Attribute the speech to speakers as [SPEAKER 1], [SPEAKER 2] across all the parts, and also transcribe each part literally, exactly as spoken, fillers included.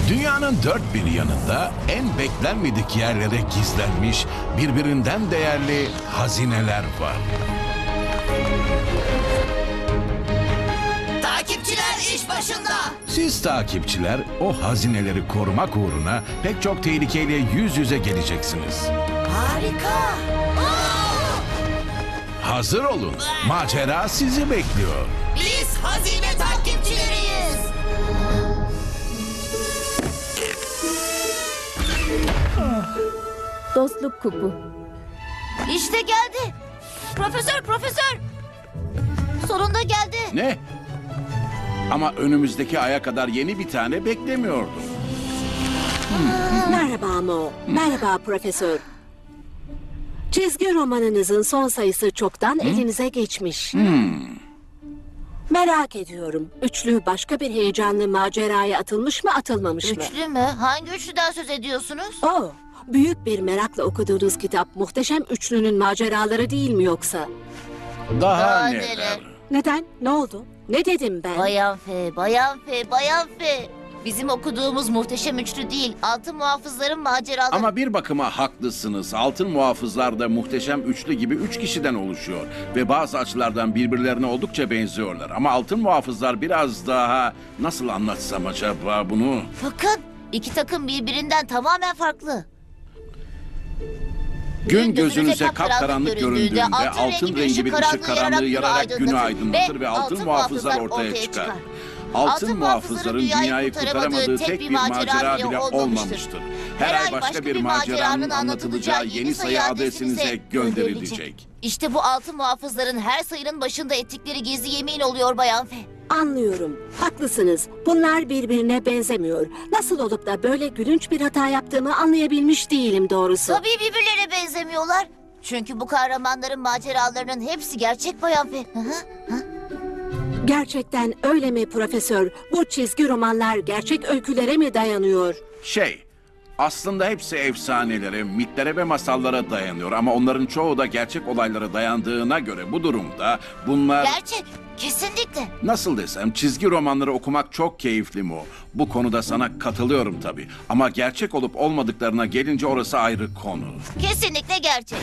[SPEAKER 1] Dünyanın dört bir yanında en beklenmedik yerlere gizlenmiş birbirinden değerli hazineler var.
[SPEAKER 2] Takipçiler iş başında.
[SPEAKER 1] Siz takipçiler o hazineleri korumak uğruna pek çok tehlikeyle yüz yüze geleceksiniz.
[SPEAKER 2] Harika. Aa!
[SPEAKER 1] Hazır olun. Macera sizi bekliyor.
[SPEAKER 2] Biz hazine takipçileriyiz.
[SPEAKER 3] Dostluk kupu.
[SPEAKER 2] İşte geldi. Profesör, profesör. Sonunda geldi.
[SPEAKER 1] Ne? Ama önümüzdeki aya kadar yeni bir tane beklemiyordum.
[SPEAKER 4] Merhaba Mo. Merhaba Profesör. Çizgi romanınızın son sayısı çoktan elinize geçmiş. Merak ediyorum. Üçlü başka bir heyecanlı maceraya atılmış mı atılmamış mı?
[SPEAKER 2] Üçlü mü? Hangi üçlüden söz ediyorsunuz?
[SPEAKER 4] Oo, büyük bir merakla okuduğunuz kitap Muhteşem Üçlü'nün maceraları değil mi yoksa?
[SPEAKER 1] Daha,
[SPEAKER 2] Daha
[SPEAKER 1] neler?
[SPEAKER 2] neler?
[SPEAKER 4] Neden? Ne oldu? Ne dedim ben?
[SPEAKER 2] Bayan F, Bayan F, Bayan F. Bizim okuduğumuz muhteşem üçlü değil, altın muhafızların maceraları.
[SPEAKER 1] Ama bir bakıma haklısınız. Altın muhafızlar da muhteşem üçlü gibi üç kişiden oluşuyor. Ve bazı açılardan birbirlerine oldukça benziyorlar. Ama altın muhafızlar biraz daha... Nasıl anlatsam acaba bunu?
[SPEAKER 2] Bakın, iki takım birbirinden tamamen farklı.
[SPEAKER 1] Gün gözünüze kapkaranlık göründüğünde altın rengi bir ışık karanlığı yararak günü aydınlatır ve altın muhafızlar ortaya çıkar. Altın muhafızların dünyayı kurtaramadığı tek bir macera bile olmamıştır. Her ay başka bir maceranın anlatılacağı yeni sayı adresinize gönderilecek.
[SPEAKER 2] İşte bu altın muhafızların her sayının başında ettikleri gizli yemin oluyor Bayan F.
[SPEAKER 4] Anlıyorum. Haklısınız. Bunlar birbirine benzemiyor. Nasıl olup da böyle gülünç bir hata yaptığımı anlayabilmiş değilim doğrusu.
[SPEAKER 2] Tabii birbirlerine benzemiyorlar. Çünkü bu kahramanların maceralarının hepsi gerçek Bayan F. Hı hı.
[SPEAKER 4] Gerçekten öyle mi Profesör? Bu çizgi romanlar gerçek öykülere mi dayanıyor?
[SPEAKER 1] Şey, aslında hepsi efsanelere, mitlere ve masallara dayanıyor. Ama onların çoğu da gerçek olaylara dayandığına göre bu durumda bunlar...
[SPEAKER 2] Gerçek, kesinlikle.
[SPEAKER 1] Nasıl desem çizgi romanları okumak çok keyifli mi o? Bu konuda sana katılıyorum tabii. Ama gerçek olup olmadıklarına gelince orası ayrı konu.
[SPEAKER 2] Kesinlikle gerçek.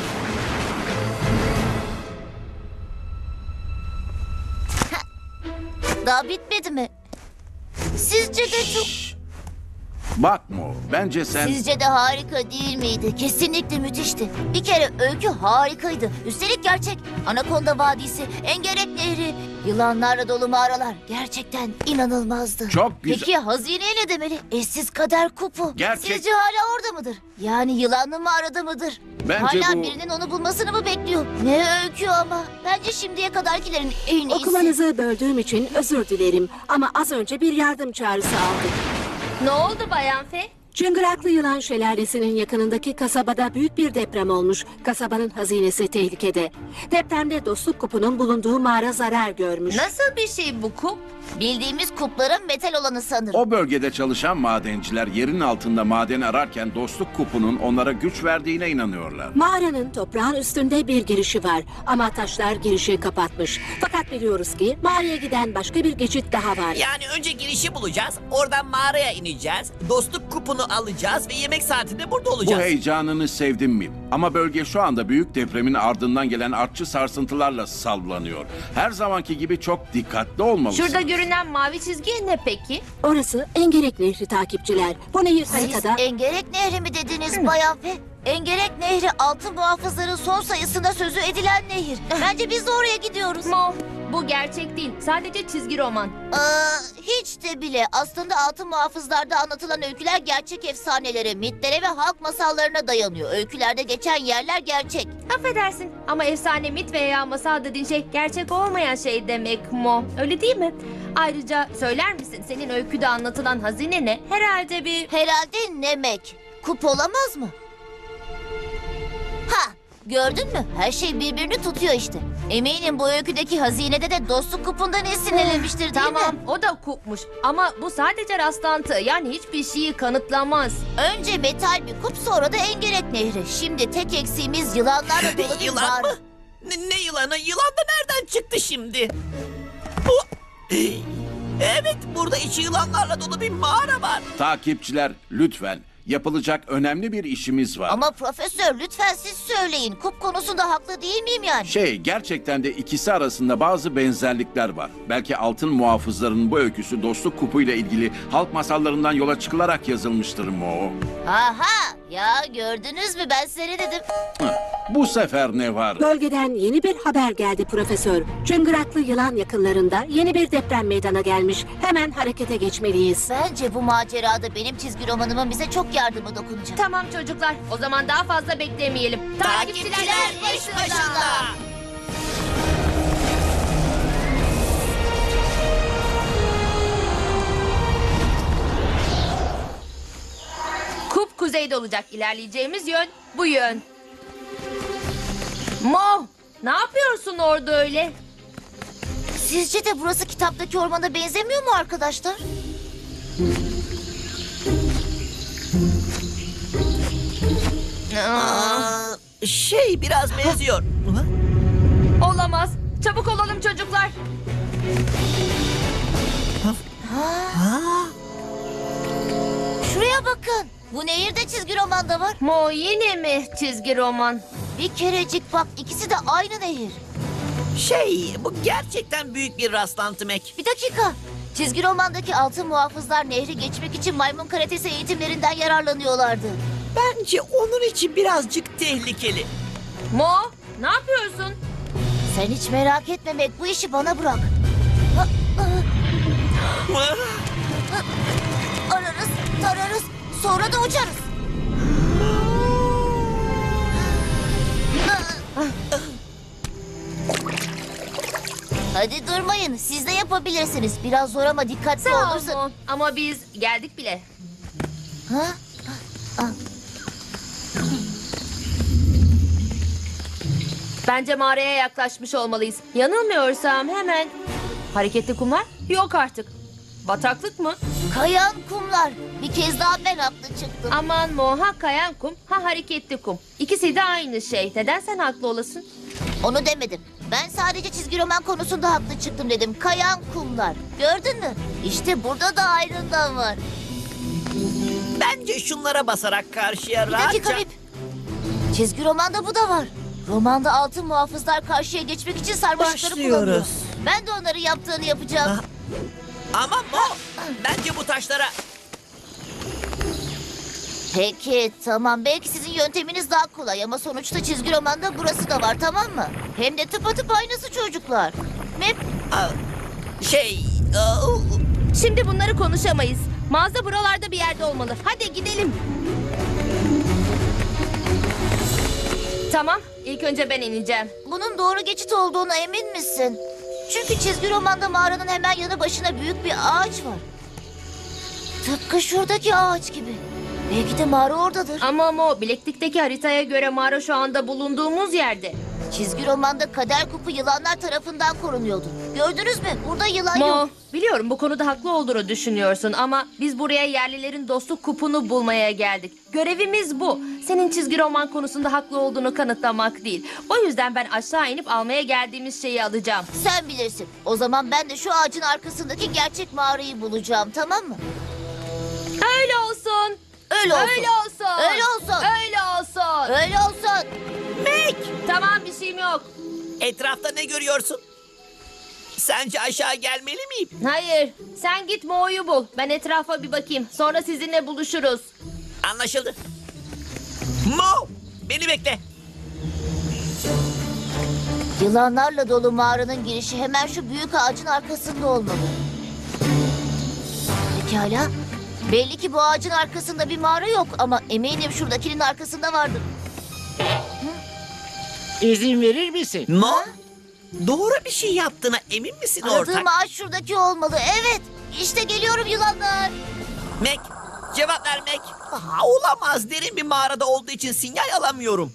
[SPEAKER 2] Daha bitmedi mi? Sizce de çok...
[SPEAKER 1] Bakma o, bence sen...
[SPEAKER 2] Sizce de harika değil miydi? Kesinlikle müthişti. Bir kere öykü harikaydı. Üstelik gerçek. Anakonda Vadisi, Engerek Nehri, yılanlarla dolu mağaralar. Gerçekten inanılmazdı.
[SPEAKER 1] Çok güzel.
[SPEAKER 2] Peki hazineye ne demeli? Eşsiz kader kupu.
[SPEAKER 1] Gerçek-
[SPEAKER 2] Sizce hala orada mıdır? Yani yılanlı mağarada mıdır?
[SPEAKER 1] Bence
[SPEAKER 2] hala
[SPEAKER 1] bu-
[SPEAKER 2] birinin onu bulmasını mı bekliyor? Ne öykü ama. Bence şimdiye kadarkilerin en iyisi.
[SPEAKER 4] Okumanızı böldüğüm için özür dilerim. Ama az önce bir yardım çağrısı aldık.
[SPEAKER 3] Ne oldu Bayan F?
[SPEAKER 4] Çıngıraklı Yılan Şelalesi'nin yakınındaki kasabada büyük bir deprem olmuş. Kasabanın hazinesi tehlikede. Depremde Dostluk Kupu'nun bulunduğu mağara zarar görmüş.
[SPEAKER 3] Nasıl bir şey bu kup?
[SPEAKER 2] Bildiğimiz kupların metal olanı sanırım.
[SPEAKER 1] O bölgede çalışan madenciler yerin altında maden ararken dostluk kupunun onlara güç verdiğine inanıyorlar.
[SPEAKER 4] Mağaranın toprağın üstünde bir girişi var ama taşlar girişi kapatmış. Fakat biliyoruz ki mağaraya giden başka bir geçit daha var.
[SPEAKER 5] Yani önce girişi bulacağız, oradan mağaraya ineceğiz, dostluk kupunu alacağız ve yemek saatinde burada
[SPEAKER 1] Bu
[SPEAKER 5] olacağız.
[SPEAKER 1] heyecanını sevdim mi? Ama bölge şu anda büyük depremin ardından gelen artçı sarsıntılarla sallanıyor. Her zamanki gibi çok dikkatli olmalısın.
[SPEAKER 3] Şurada görünen mavi çizgi ne peki?
[SPEAKER 4] Orası Engerek Nehri takipçiler. Bu nehir
[SPEAKER 2] Siz
[SPEAKER 4] haritada...
[SPEAKER 2] Engerek Nehri mi dediniz Bayan F? Engerek Nehri altın muhafızların son sayısında sözü edilen nehir. Bence biz de oraya gidiyoruz.
[SPEAKER 3] Mo, bu gerçek değil. Sadece çizgi roman.
[SPEAKER 2] Aa, hiç de bile. Aslında altın muhafızlarda anlatılan öyküler gerçek efsanelere, mitlere ve halk masallarına dayanıyor. Öykülerde geçen yerler gerçek.
[SPEAKER 3] Affedersin ama efsane, mit veya masal dediğin şey gerçek olmayan şey demek Mo. Öyle değil mi? Ayrıca söyler misin senin öyküde anlatılan hazine ne? Herhalde bir...
[SPEAKER 2] Herhalde Nemek. Kup olamaz mı? Ha, gördün mü? Her şey birbirini tutuyor işte. Eminim bu öyküdeki hazinede de dostluk kupundan esinlenilmiştir değil
[SPEAKER 3] Tamam,
[SPEAKER 2] mi?
[SPEAKER 3] o da kupmuş. Ama bu sadece rastlantı. Yani hiçbir şeyi kanıtlamaz.
[SPEAKER 2] Önce metal bir kup, sonra da Engerek Nehri. Şimdi tek eksiğimiz yılanlarla dolu bir
[SPEAKER 5] Yılan
[SPEAKER 2] mağara.
[SPEAKER 5] mı? Ne, ne yılanı? Yılan da nereden çıktı şimdi? Bu... Evet, burada içi yılanlarla dolu bir mağara var.
[SPEAKER 1] Takipçiler lütfen, yapılacak önemli bir işimiz var.
[SPEAKER 2] Ama profesör lütfen siz söyleyin. Kup konusunda haklı değil miyim yani?
[SPEAKER 1] Şey, gerçekten de ikisi arasında bazı benzerlikler var. Belki altın muhafızların bu öyküsü dostluk kupuyla ilgili halk masallarından yola çıkılarak yazılmıştır Mo.
[SPEAKER 2] Aha ya gördünüz mü ben size ne dedim?
[SPEAKER 1] Bu sefer ne var?
[SPEAKER 4] Bölgeden yeni bir haber geldi profesör. Çıngıraklı yılan yakınlarında yeni bir deprem meydana gelmiş. Hemen harekete geçmeliyiz.
[SPEAKER 2] Bence bu macerada benim çizgi romanımın bize çok yardımı dokunacak.
[SPEAKER 3] Tamam çocuklar, o zaman daha fazla beklemeyelim.
[SPEAKER 5] Takipçiler iş başında.
[SPEAKER 3] Kup kuzeyde olacak. İlerleyeceğimiz yön bu yön. Mo, ne yapıyorsun orada öyle?
[SPEAKER 2] Sizce de burası kitaptaki ormana benzemiyor mu arkadaşlar?
[SPEAKER 5] Aa, şey biraz benziyor. Hı?
[SPEAKER 3] Olamaz. Çabuk olalım çocuklar.
[SPEAKER 2] Şuraya bakın. Bu nehirde çizgi romanda var.
[SPEAKER 3] Mo yine mi çizgi roman?
[SPEAKER 2] Bir kerecik bak ikisi de aynı nehir.
[SPEAKER 5] Şey, bu gerçekten büyük bir rastlantı Mac.
[SPEAKER 2] Bir dakika. Çizgi romandaki altın muhafızlar nehri geçmek için maymun karatesi eğitimlerinden yararlanıyorlardı.
[SPEAKER 5] Bence onun için birazcık tehlikeli.
[SPEAKER 3] Mo, ne yapıyorsun?
[SPEAKER 2] Sen hiç merak etme Mac, bu işi bana bırak. Ha, ha, ararız, tararız, sonra da uçarız. Hadi durmayın, siz de yapabilirsiniz. Biraz zor ama dikkatli
[SPEAKER 3] Sağ ol
[SPEAKER 2] olursa...
[SPEAKER 3] Mo. Ama biz geldik bile.
[SPEAKER 2] Ha?
[SPEAKER 3] Bence mağaraya yaklaşmış olmalıyız. Yanılmıyorsam hemen... Hareketli kumlar? Yok artık. Bataklık mı?
[SPEAKER 2] Kayan kumlar. Bir kez daha ben haklı çıktım.
[SPEAKER 3] Aman Mo, ha kayan kum, ha hareketli kum. İkisi de aynı şey. Neden sen haklı olasın?
[SPEAKER 2] Onu demedim. Ben sadece çizgi roman konusunda haklı çıktım dedim. Kayan kumlar. Gördün mü? İşte burada da ayrıntı var.
[SPEAKER 5] Bence şunlara basarak karşıya
[SPEAKER 2] Bir dakika
[SPEAKER 5] rahatça...
[SPEAKER 2] Rip. Çizgi romanda bu da var. Romanda altın muhafızlar karşıya geçmek için sarmaşıkları
[SPEAKER 5] Başlıyoruz.
[SPEAKER 2] kullanıyor. Ben de onları yaptığını yapacağım.
[SPEAKER 5] Ha. Ama Mo, bence bu taşlara...
[SPEAKER 2] Peki tamam, belki sizin yönteminiz daha kolay ama sonuçta çizgi romanda burası da var, tamam mı? Hem de tıpatıp aynısı çocuklar. Mep,
[SPEAKER 5] Aa, Şey... aa,
[SPEAKER 3] Şimdi bunları konuşamayız. Mağaza buralarda bir yerde olmalı. Hadi gidelim. Tamam, ilk önce ben ineceğim.
[SPEAKER 2] bunun doğru geçit olduğuna emin misin? Çünkü çizgi romanda mağaranın hemen yanı başına büyük bir ağaç var. Tıpkı şuradaki ağaç gibi. Belki de mağara oradadır.
[SPEAKER 3] Ama Mo, bileklikteki haritaya göre mağara şu anda bulunduğumuz yerde.
[SPEAKER 2] Çizgi romanda kader kupu yılanlar tarafından korunuyordu. Gördünüz mü? Burada yılan
[SPEAKER 3] Mo,
[SPEAKER 2] yok.
[SPEAKER 3] biliyorum bu konuda haklı olduğunu düşünüyorsun ama biz buraya yerlilerin dostluk kupunu bulmaya geldik. Görevimiz bu. Senin çizgi roman konusunda haklı olduğunu kanıtlamak değil. O yüzden ben aşağı inip almaya geldiğimiz şeyi alacağım.
[SPEAKER 2] Sen bilirsin. O zaman ben de şu ağacın arkasındaki gerçek mağarayı bulacağım, tamam mı?
[SPEAKER 3] Öyle olsun.
[SPEAKER 2] Öyle olsun.
[SPEAKER 3] Öyle olsun.
[SPEAKER 2] Öyle olsun.
[SPEAKER 3] Öyle olsun.
[SPEAKER 2] Öyle olsun.
[SPEAKER 5] Mac,
[SPEAKER 3] Tamam, bir şeyim yok.
[SPEAKER 5] etrafta ne görüyorsun? Sence aşağı gelmeli miyim?
[SPEAKER 3] Hayır, sen git Mo'yu bul. Ben etrafa bir bakayım. Sonra sizinle buluşuruz.
[SPEAKER 5] Anlaşıldı. Mo, beni bekle.
[SPEAKER 2] Yılanlarla dolu mağaranın girişi hemen şu büyük ağacın arkasında olmalı. Pekala. Belli ki bu ağacın arkasında bir mağara yok ama eminim şuradakinin arkasında vardır.
[SPEAKER 6] İzin verir misin?
[SPEAKER 5] Mo, doğru bir şey yaptığına emin misin ortak?
[SPEAKER 2] Aradığım ağaç şuradaki olmalı. Evet. İşte geliyorum yılanlar.
[SPEAKER 5] Mac, cevap ver Mac. Aa, olamaz, derin bir mağarada olduğu için sinyal alamıyorum.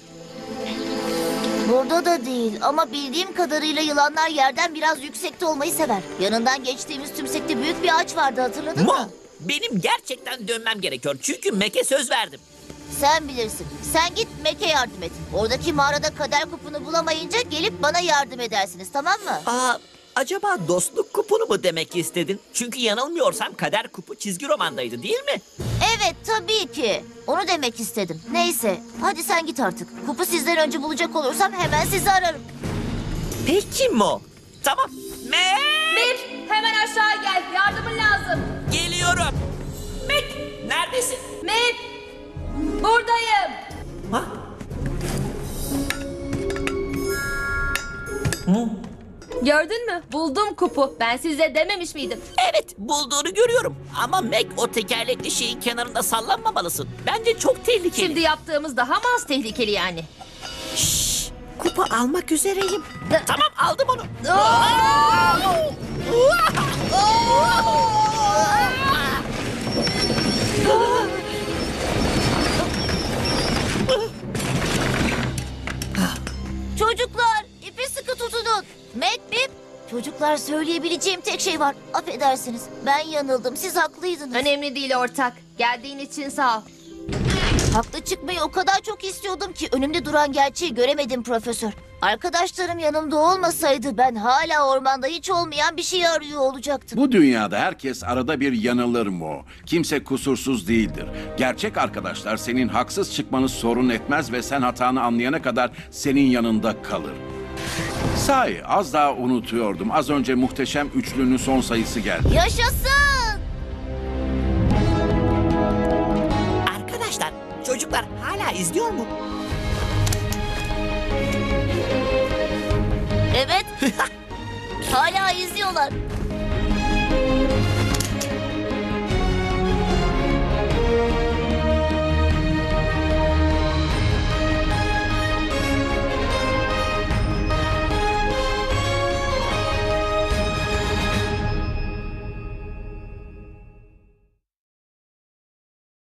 [SPEAKER 2] Burada da değil ama bildiğim kadarıyla yılanlar yerden biraz yüksekte olmayı sever. Yanından geçtiğimiz tümsekte büyük bir ağaç vardı, hatırladın
[SPEAKER 5] Mo,
[SPEAKER 2] mı?
[SPEAKER 5] benim gerçekten dönmem gerekiyor çünkü Mac'e söz verdim.
[SPEAKER 2] Sen bilirsin. Sen git Mac'e yardım et. Oradaki mağarada kader kupunu bulamayınca gelip bana yardım edersiniz, tamam mı?
[SPEAKER 5] Aa, Acaba dostluk kupunu mu demek istedin? Çünkü yanılmıyorsam kader kupu çizgi romandaydı değil mi?
[SPEAKER 2] Evet tabii ki. Onu demek istedim. Neyse hadi sen git artık. Kupu sizden önce bulacak olursam hemen sizi ararım.
[SPEAKER 5] Peki Mo. Tamam. Me
[SPEAKER 3] Mip, hemen aşağı gel. Yardımın lazım.
[SPEAKER 5] Geliyorum. Mek neredesin?
[SPEAKER 3] Mip, buradayım.
[SPEAKER 5] Ha?
[SPEAKER 3] Gördün mü? Buldum kupu. Ben size dememiş miydim?
[SPEAKER 5] Evet bulduğunu görüyorum. Ama Meg o tekerlekli şeyin kenarında sallanmamalısın. Bence çok tehlikeli.
[SPEAKER 3] Şimdi yaptığımız daha mı az tehlikeli yani?
[SPEAKER 5] Şşş, kupa almak üzereyim. Tamam aldım onu.
[SPEAKER 2] Çocuklar ipi sıkı tutunun. Mac Bip. Çocuklar söyleyebileceğim tek şey var. Affedersiniz ben yanıldım siz haklıydınız.
[SPEAKER 3] Önemli değil ortak. Geldiğin için sağ ol.
[SPEAKER 2] Haklı çıkmayı o kadar çok istiyordum ki önümde duran gerçeği göremedim profesör. Arkadaşlarım yanımda olmasaydı ben hala ormanda hiç olmayan bir şey arıyor olacaktım.
[SPEAKER 1] Bu dünyada herkes arada bir yanılır mı? Kimse kusursuz değildir. Gerçek arkadaşlar senin haksız çıkmanı sorun etmez ve sen hatanı anlayana kadar senin yanında kalır. Sahi az daha unutuyordum. Az önce muhteşem üçlünün son sayısı geldi.
[SPEAKER 2] Yaşasın!
[SPEAKER 5] Arkadaşlar çocuklar hala izliyor mu?
[SPEAKER 2] Evet. Hala izliyorlar.